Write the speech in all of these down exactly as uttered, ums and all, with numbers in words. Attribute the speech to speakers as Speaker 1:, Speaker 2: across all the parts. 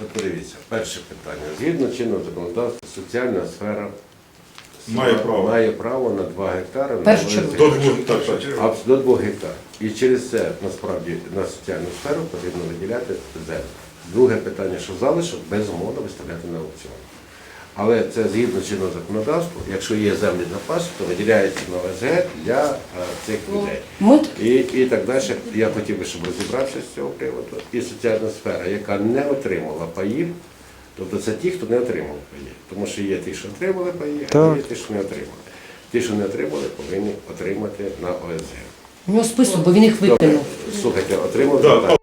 Speaker 1: подивіться, перше питання. Згідно чинного законодавства, соціальна сфера
Speaker 2: Має право.
Speaker 1: має право на два гектари на
Speaker 3: Першу
Speaker 1: ОСГ.
Speaker 3: чергу.
Speaker 2: До двох, так, так.
Speaker 1: А, до двох гектарів. І через це, насправді, на соціальну сферу потрібно виділяти землю. Друге питання, що залишок, безумовно виставляти на аукціон. Але це згідно чинного законодавства, якщо є землі запасу, то виділяється на ОСГ для а, цих людей.
Speaker 3: Ми
Speaker 1: І, і так далі. Я хотів би, щоб розібрався з цього приводу. І соціальна сфера, яка не отримала паїв, тобто це ті, хто не отримав паї. Тому що є ті, що отримали паї, а є ті, що не отримали. Ті, що не отримали, повинні отримати на ОСГ.
Speaker 3: у нього список, бо він їх
Speaker 1: Добре,
Speaker 3: викинув.
Speaker 1: слухайте, отримали.
Speaker 2: Да,
Speaker 1: так.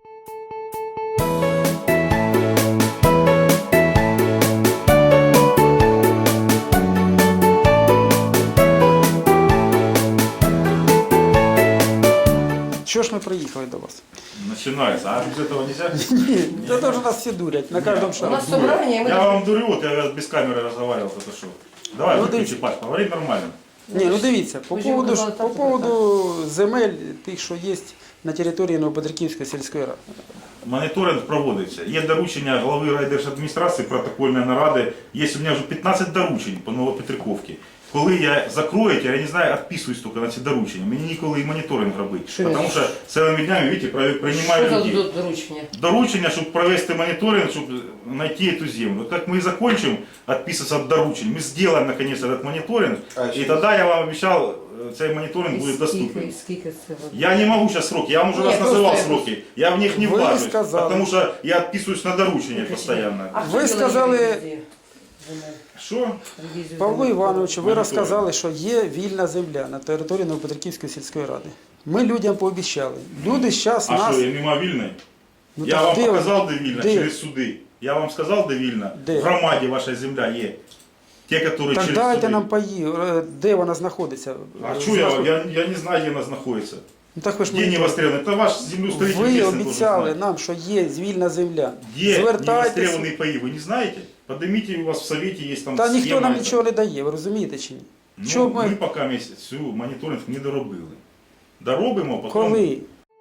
Speaker 4: Чего ж мы приехали до вас?
Speaker 2: Начинается. А без этого нельзя?
Speaker 4: Нет, это тоже нас все дурят, на каждом
Speaker 3: У
Speaker 4: шагу.
Speaker 3: нас собрання, і ми...
Speaker 2: Я вам дурю, вот я без камеры разговаривал, это что? Давай,
Speaker 4: Ну,
Speaker 2: выключи,
Speaker 4: дивіться.
Speaker 2: Паш, говори нормально.
Speaker 4: Ні, ну дивіться, по
Speaker 3: Ви ж
Speaker 4: поводу,
Speaker 3: казали,
Speaker 4: ж-
Speaker 3: так,
Speaker 4: по
Speaker 3: так,
Speaker 4: поводу земель, тих, що є на території Новопетриківської сільської ради.
Speaker 2: Моніторинг проводиться. Є доручення голови райдержадміністрації, протокольної наради. Є у мене вже п'ятнадцять доручень по Новопетриківці. Коли я закрою, я не знаю, відписуюсь тільки на ці доручення. Мені ніколи і моніторинг робити.
Speaker 3: Що
Speaker 2: Тому що цілими днями, бачите, приймаю
Speaker 3: Що за
Speaker 2: людей.
Speaker 3: до- доручення?
Speaker 2: Доручення, щоб провести мониторинг, щоб знайти эту землю. Вот как мы закончим отписываться от доручень, мы сделаем наконец этот мониторинг, и тогда я вам обещал, цей мониторинг будет доступен.
Speaker 3: Скільки, скільки це? от?
Speaker 2: Я не могу сейчас сроки, я вам уже
Speaker 3: Нет,
Speaker 2: раз называл
Speaker 3: просто-
Speaker 2: сроки, я в них не
Speaker 4: Вы
Speaker 2: влажусь,
Speaker 4: сказали.
Speaker 2: потому что я отписываюсь на доручения постоянно.
Speaker 3: А
Speaker 4: Ви
Speaker 3: хто
Speaker 4: сказали-
Speaker 3: робить ревізію? Земель?
Speaker 2: Что?
Speaker 3: Ревізію
Speaker 4: Павло
Speaker 3: земель?
Speaker 4: Івановичу, ви
Speaker 2: Моніторинг.
Speaker 4: розказали, що є вільна земля на території Новопетриківської сільської ради. Ми людям пообіцяли. Люди зараз
Speaker 2: А
Speaker 4: нас...
Speaker 2: что, я не мобильный?
Speaker 4: Ну,
Speaker 2: Я
Speaker 4: так
Speaker 2: вам
Speaker 4: де-
Speaker 2: показал, де вільно,
Speaker 4: де?
Speaker 2: через суди. Я вам сказал, де вільно.
Speaker 4: Де?
Speaker 2: В громаді ваша земля є. Те, которые
Speaker 4: Так
Speaker 2: через
Speaker 4: дайте
Speaker 2: суди.
Speaker 4: нам паї, е, де вона знаходиться.
Speaker 2: А
Speaker 4: Е,
Speaker 2: что я,
Speaker 4: знаходиться.
Speaker 2: я, я не знаю, где она находится.
Speaker 4: Ну, так ви ж
Speaker 2: Где не
Speaker 4: моніторите.
Speaker 2: востребованы? Это ваш землеустроитель
Speaker 4: Ви
Speaker 2: местный должен
Speaker 4: обіцяли
Speaker 2: знать.
Speaker 4: нам, що є вільна земля.
Speaker 2: Где
Speaker 4: Звертайтеся.
Speaker 2: невостребованные паи, вы не знаете? Поднимите, у вас в совете есть там
Speaker 4: Та ніхто
Speaker 2: схема
Speaker 4: нам
Speaker 2: эта.
Speaker 4: нічого не дає, ви розумієте чи ні?
Speaker 2: Ну,
Speaker 4: Що
Speaker 2: ми...
Speaker 4: ми-
Speaker 2: поки місяць цю моніторинг не доробили. Доробимо, потім...
Speaker 4: Коли?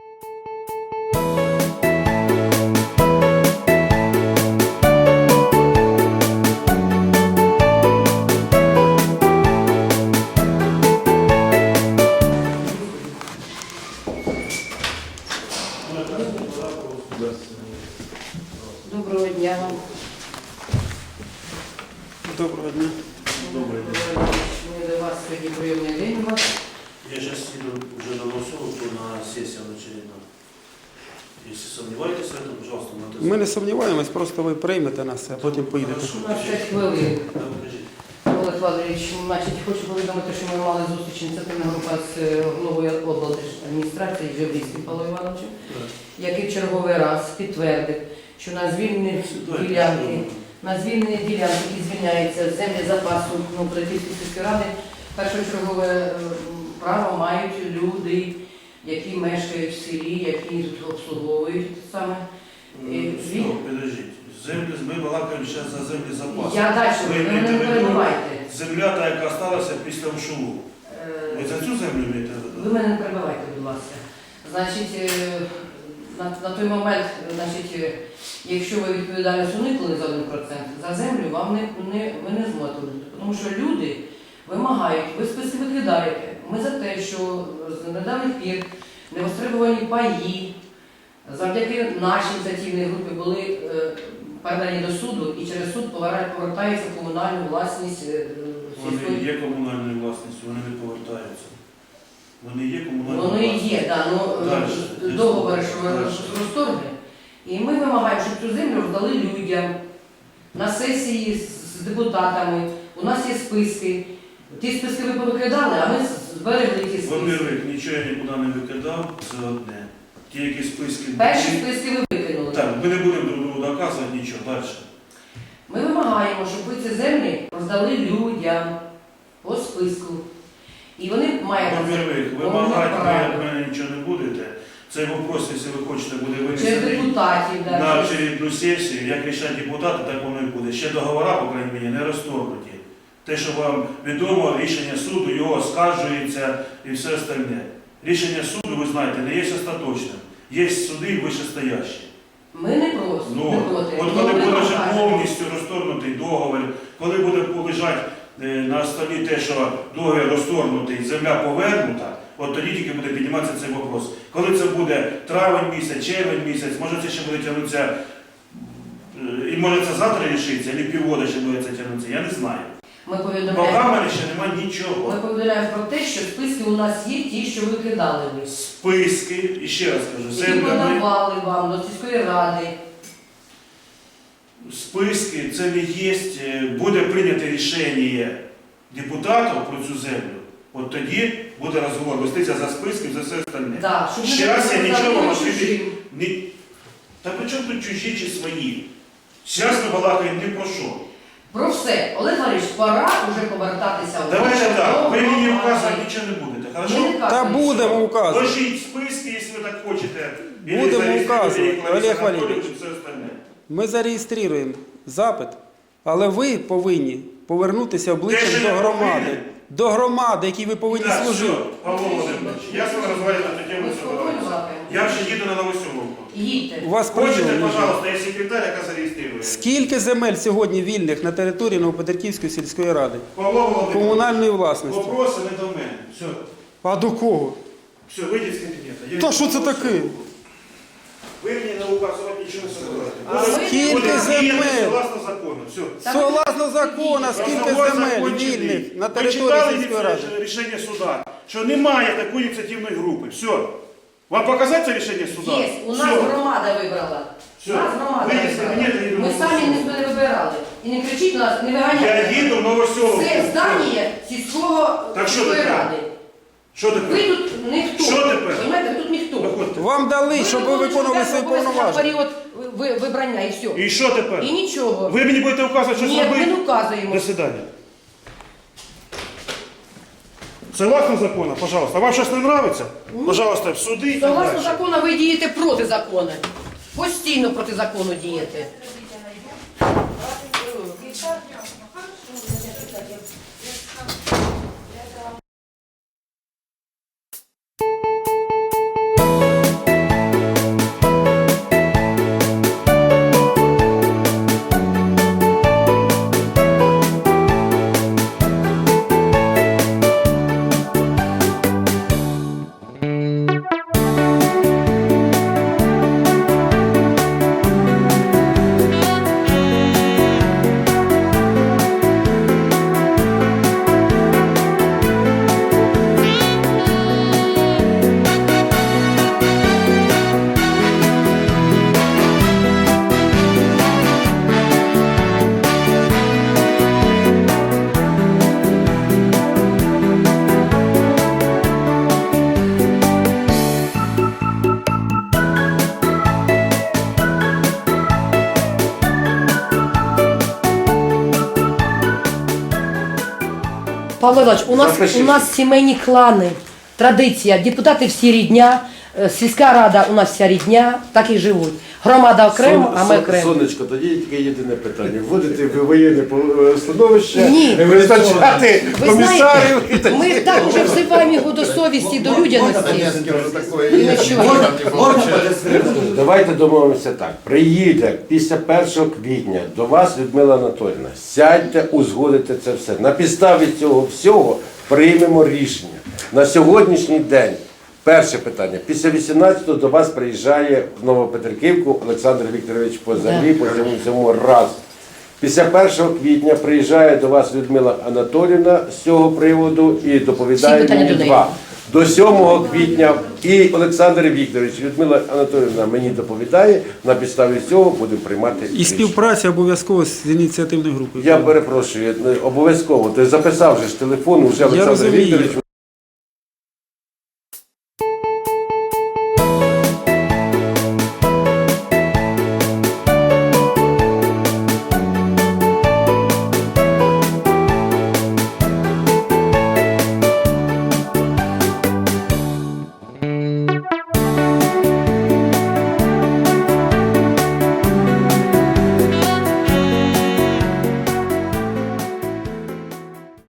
Speaker 3: Доброго дня вам.
Speaker 4: Доброго дня.
Speaker 3: Доброго дня. Ми до вас сьогодні прийомний день у вас.
Speaker 5: Я сейчас еду уже на Новосовку на сессию на очередную. Если сомневаетесь в этом, пожалуйста, на
Speaker 4: Ми не сомніваємось, просто ви приймете нас, а потім поїдете.
Speaker 3: У нас п'ять хвилин.
Speaker 5: Да, покажите.
Speaker 3: Олег Валерійович, значить, хочу повідомити, що ми мали зустріч ініціативна група з е, головою облдержадміністрації Жебрівським Павлом Івановичем, який в черговий раз підтвердив, що на звільнені ділянки, на звільнені ділянки, які звільняються з землі запасу Новопетриківської сільської ради, першочергове е, право мають люди, які мешкають в селі, які тут обслуговують саме. І він-
Speaker 5: Стоп, подождите. Землі, ми балакаємо зараз за землі запасу.
Speaker 3: Я далі, ви мене не перебивайте.
Speaker 5: Земля, та, яка сталася після ушову.
Speaker 3: Е,
Speaker 5: Ви за цю землю маєте?
Speaker 3: Ви мене не перебивайте, будь ласка. Значить, е, на, на той момент, значить, е, якщо ви відповідальність уникли за один процент, за землю вам не, не, ви не зможете уникнути. Тому що люди вимагають, ви списки викидаєте. Ми за те, що з недавніх пір невостребувані паї, завдяки нашій ініціативній групі були е, передані до суду і через суд повера- повертаються в комунальну власність е,
Speaker 5: Вони
Speaker 3: сільської.
Speaker 5: є комунальною власністю, вони не повертаються. Вони є комунальною
Speaker 3: Воно і
Speaker 5: власністю.
Speaker 3: є, да, ну,
Speaker 5: Дальше.
Speaker 3: договори, що ви
Speaker 5: Дальше.
Speaker 3: розторгли. І ми вимагаємо, щоб цю землю роздали людям на сесії з- з депутатами. У нас є списки. Ті списки ви повикидали, а ми зберегли ті списки.
Speaker 5: Во-первых, нічого я нікуди не викидав, це одне. Ті, які списки...
Speaker 3: Перші списки ви викинули.
Speaker 5: Так, ми не будемо друг другу доказувати нічого. Далі.
Speaker 3: Ми вимагаємо, щоб ви ці землі роздали людям по списку. І вони мають
Speaker 5: Во-первых, вимагати ви від мене нічого не будете. Цей вопрос, якщо ви хочете, буде
Speaker 3: через
Speaker 5: винесений
Speaker 3: депутатів. Да,
Speaker 5: на
Speaker 3: через-
Speaker 5: очередну сесію. Як рішать депутати, так воно і буде. Ще договори, по крайній мірі, не розторгнуті. Те, що вам відомо, рішення суду, його оскаржується і все остальне. Рішення суду, ви знаєте, не є остаточним. Є суди вищестоящі.
Speaker 3: Ми не просто,
Speaker 5: Ну,
Speaker 3: не проти.
Speaker 5: от
Speaker 3: Ми
Speaker 5: коли буде вже
Speaker 3: вимагаємо.
Speaker 5: повністю розторгнутий договір, коли буде лежати е, на столі те, що договір розторгнутий, земля повернута, от тоді тільки буде підніматися цей вопрос. Коли це буде травень місяць, червень місяць, може це ще буде тягнутися, е, і може це завтра рішиться, або півгода ще буде це тягнутися, я не знаю.
Speaker 3: Ми
Speaker 5: По
Speaker 3: повідомляємо,
Speaker 5: камері ще немає нічого.
Speaker 3: ми повідомляємо про те, що списки у нас є ті, що ви кидали ви.
Speaker 5: Списки, і ще раз кажу,
Speaker 3: Які
Speaker 5: земля ми...
Speaker 3: подавали вам до сільської ради.
Speaker 5: Списки, це не є, буде прийнято рішення депутатів про цю землю, от тоді буде розговор, вестися за списки, за все остальне.
Speaker 3: Да, щоб
Speaker 5: Ще
Speaker 3: не
Speaker 5: раз я
Speaker 3: було
Speaker 5: нічого
Speaker 3: такого
Speaker 5: вам
Speaker 3: чужим.
Speaker 5: відповідь не... Та при чому тут чужі чи свої? Зараз ми балакаємо не про що.
Speaker 3: Про все. Олег Валерійович, пора вже повертатися у
Speaker 5: Давайте
Speaker 3: нашу
Speaker 5: так, ви мені
Speaker 3: нову
Speaker 5: вказувати
Speaker 3: громаду.
Speaker 5: нічого не будете,
Speaker 3: Ми
Speaker 5: хорошо?
Speaker 3: не
Speaker 4: Та
Speaker 3: кажемо,
Speaker 4: будемо
Speaker 3: що-
Speaker 4: указувати.
Speaker 5: Ложіть списки, якщо ви так хочете. Или
Speaker 4: Будемо
Speaker 5: зареєструйте,
Speaker 4: указувати,
Speaker 5: як Лариса
Speaker 4: Олег
Speaker 5: Анатоліївна,
Speaker 4: Валерійович.
Speaker 5: і все остальне.
Speaker 4: Ми зареєструємо запит, але ви повинні повернутися
Speaker 5: Те,
Speaker 4: обличчям
Speaker 5: що
Speaker 4: до
Speaker 5: я
Speaker 4: громади.
Speaker 5: повинен.
Speaker 4: До громади, якій ви повинні
Speaker 5: Так,
Speaker 4: служити.
Speaker 5: все, Павло Володимирович, я з вами розмовляю на цю тему.
Speaker 3: Ми
Speaker 5: все
Speaker 3: спокійно
Speaker 5: говорю.
Speaker 3: балакаємо.
Speaker 5: Я вже їду на Новоселовку.
Speaker 3: Їдьте.
Speaker 4: У вас
Speaker 5: Хочете,
Speaker 4: прийом.
Speaker 5: пожалуйста, я секретарь, яка зареєструє.
Speaker 4: Скільки земель сьогодні вільних на території Новопетриківської сільської ради?
Speaker 5: Павло Володимирович,
Speaker 4: Комунальної власності.
Speaker 5: вопроси не до мене. Все,
Speaker 4: А до кого?
Speaker 5: все, вийдіть з кабінету. Я
Speaker 4: Та
Speaker 5: йду
Speaker 4: що
Speaker 5: на
Speaker 4: це таке?
Speaker 5: Новоселовку. Ви мені не указувати нічого не собираєте.
Speaker 3: А ви-
Speaker 4: Скільки
Speaker 5: Будете діяти
Speaker 4: земель?
Speaker 5: согласно закону. Все.
Speaker 4: Согласно закону, скільки
Speaker 5: Розговор
Speaker 4: земель
Speaker 5: закончений.
Speaker 4: вільних на
Speaker 5: Ви
Speaker 4: території
Speaker 5: читали
Speaker 4: сільської ради?
Speaker 5: ініці- рішення суда, що немає такої ініціативної групи. Все. Вам показати це рішення суда?
Speaker 3: Є, у нас
Speaker 5: Все.
Speaker 3: громада вибрала.
Speaker 5: Все.
Speaker 3: У нас громада
Speaker 5: Вийдіть з
Speaker 3: вибрала.
Speaker 5: кабінету, я йду
Speaker 3: Ми
Speaker 5: на
Speaker 3: самі
Speaker 5: Новоселовку.
Speaker 3: не вибирали. І не кричіть нас, не виганяйте.
Speaker 5: Я їду в Новоселовку.
Speaker 3: Це здання сільського
Speaker 5: Так що
Speaker 3: сільської
Speaker 5: тепер?
Speaker 3: ради.
Speaker 5: Що
Speaker 3: Ви
Speaker 5: таке?
Speaker 3: тут ніхто.
Speaker 5: Що тепер?
Speaker 3: Понимаєте, ви тут ніхто.
Speaker 5: Виходьте.
Speaker 4: Вам дали, щоб ви виконували свої
Speaker 3: На
Speaker 4: повноваження.
Speaker 3: період ви- вибрання і все.
Speaker 5: І що тепер?
Speaker 3: І нічого.
Speaker 5: Ви мені будете вказувати, що
Speaker 3: Ні, ми
Speaker 5: зробити?
Speaker 3: не указуємо.
Speaker 5: До свидания. Согласно закону, пожалуйста. Вам щось не нравится? Пожалуйста, в суди і так
Speaker 3: Согласно
Speaker 5: далі.
Speaker 3: закону, ви дієте проти закону. Постійно проти закону дієте. Павло Іванович, у нас,
Speaker 1: Запишіть.
Speaker 3: у нас сімейні клани, традиція, депутати всі рідня, е, сільська рада у нас вся рідня, так і живуть. Громада окремо, а ми
Speaker 1: Сон-
Speaker 3: окремо.
Speaker 1: Сонечко, тоді є тільки єдине питання. Вводити в воєнне по- становище,
Speaker 3: Ні.
Speaker 1: визначати
Speaker 3: Ви
Speaker 1: комісарів і
Speaker 3: знаєте,
Speaker 1: так.
Speaker 3: ми так вже взиваємо його до совісті, до людяності. Нічого.
Speaker 1: Давайте домовимося так. Приїде після першого квітня до вас Людмила Анатоліївна. Сядьте, узгодите це все. На підставі цього всього приймемо рішення. На сьогоднішній день перше питання. Після вісімнадцятого до вас приїжджає в Новопетриківку Олександр Вікторович по землі, по цьому цьому раз. Після першого квітня приїжджає до вас Людмила Анатоліївна з цього приводу і доповідає
Speaker 3: Всі питання
Speaker 1: мені
Speaker 3: до неї.
Speaker 1: два. До сьомого квітня і Олександр Вікторович, Людмила Анатоліївна мені доповідає, на підставі цього будемо приймати
Speaker 4: І
Speaker 1: рішення.
Speaker 4: співпраця обов'язково з ініціативною групою.
Speaker 1: Я перепрошую, обов'язково. Ти записав же ж телефон, вже Олександр
Speaker 4: розумію.
Speaker 1: Вікторович